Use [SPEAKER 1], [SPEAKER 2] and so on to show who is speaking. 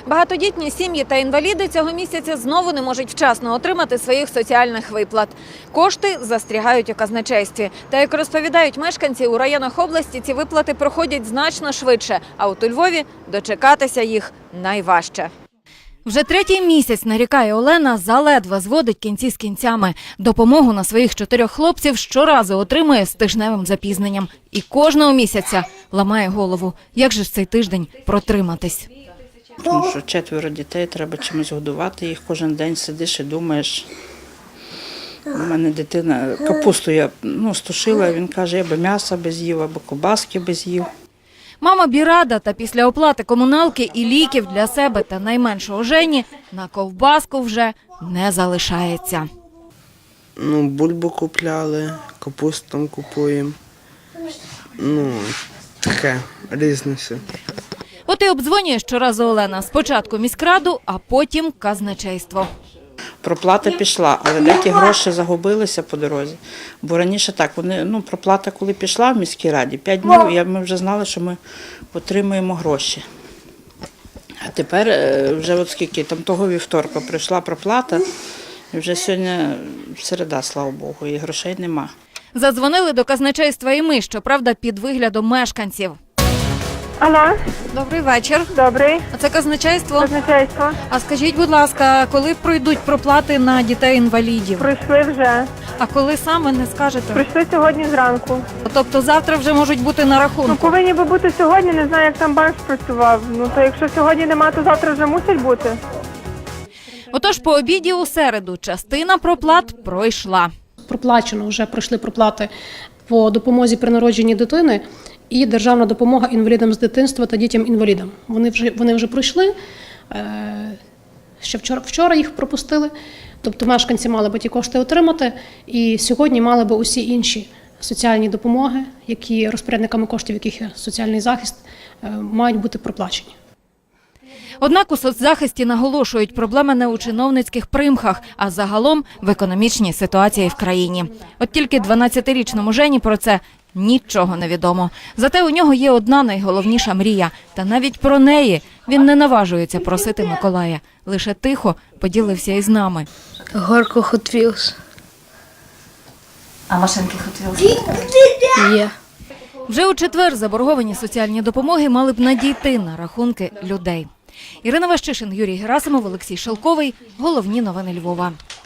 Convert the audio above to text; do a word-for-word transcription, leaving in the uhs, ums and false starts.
[SPEAKER 1] Багатодітні сім'ї та інваліди цього місяця знову не можуть вчасно отримати своїх соціальних виплат. Кошти застрягають у казначействі. Та, як розповідають мешканці, у районах області ці виплати проходять значно швидше, а от у Львові дочекатися їх найважче. Вже третій місяць, нарікає Олена, заледве зводить кінці з кінцями. Допомогу на своїх чотирьох хлопців щоразу отримує з тижневим запізненням. І кожного місяця ламає голову. Як же ж цей тиждень протриматись?
[SPEAKER 2] Тому що четверо дітей, треба чимось годувати їх. Кожен день сидиш і думаєш. У мене дитина капусту я ну, стушила, він каже, я би м'яса без їв, або ковбаски без їв.
[SPEAKER 1] Мама Бірада та після оплати комуналки і ліків для себе та найменшого Жені на ковбаску вже не залишається.
[SPEAKER 3] Ну, бульбу купляли, капусту там купуємо. Ну, таке, різне все.
[SPEAKER 1] От і обдзвонює щоразу Олена. Спочатку міськраду, а потім казначейство.
[SPEAKER 2] Проплата пішла, але деякі гроші загубилися по дорозі. Бо раніше так, вони, ну, проплата коли пішла в міській раді, п'ять днів, я, ми вже знали, що ми отримуємо гроші. А тепер вже от скільки, там того вівторка прийшла проплата, і вже сьогодні середа, слава Богу, і грошей нема.
[SPEAKER 1] Задзвонили до казначейства і ми, щоправда, під виглядом мешканців.
[SPEAKER 4] Алло,
[SPEAKER 1] Добрий вечір.
[SPEAKER 4] добрий.
[SPEAKER 1] А це казначейство?
[SPEAKER 4] Казначейство.
[SPEAKER 1] А скажіть, будь ласка, коли пройдуть проплати на дітей-інвалідів?
[SPEAKER 4] Прийшли вже.
[SPEAKER 1] А коли саме, не скажете?
[SPEAKER 4] Прийшли сьогодні зранку.
[SPEAKER 1] Тобто завтра вже можуть бути на
[SPEAKER 4] Ну,
[SPEAKER 1] рахунку?
[SPEAKER 4] повинні би бути сьогодні, не знаю, як там банк спрацював. Ну, то якщо сьогодні нема, то завтра вже мусить бути.
[SPEAKER 1] Отож, по обіді у середу частина проплат пройшла.
[SPEAKER 5] Проплачено, вже пройшли проплати по допомозі при народженні дитини і державна допомога інвалідам з дитинства та дітям-інвалідам. Вони вже, вони вже пройшли, ще вчора, вчора їх пропустили, тобто мешканці мали би ті кошти отримати, і сьогодні мали би усі інші соціальні допомоги, які розпорядниками коштів, яких є соціальний захист, мають бути проплачені.
[SPEAKER 1] Однак у соцзахисті наголошують, проблема не у чиновницьких примхах, а загалом в економічній ситуації в країні. От тільки дванадцятирічному Жені про це нічого не відомо. Зате у нього є одна найголовніша мрія. Та навіть про неї він не наважується просити Миколая. Лише тихо поділився із нами.
[SPEAKER 6] Горко Hot Wheels.
[SPEAKER 1] А машинки Hot Wheels?
[SPEAKER 6] Є.
[SPEAKER 1] Вже у четвер заборговані соціальні допомоги мали б надійти на рахунки людей. Ірина Ващишин, Юрій Герасимов, Олексій Шелковий. Головні новини Львова.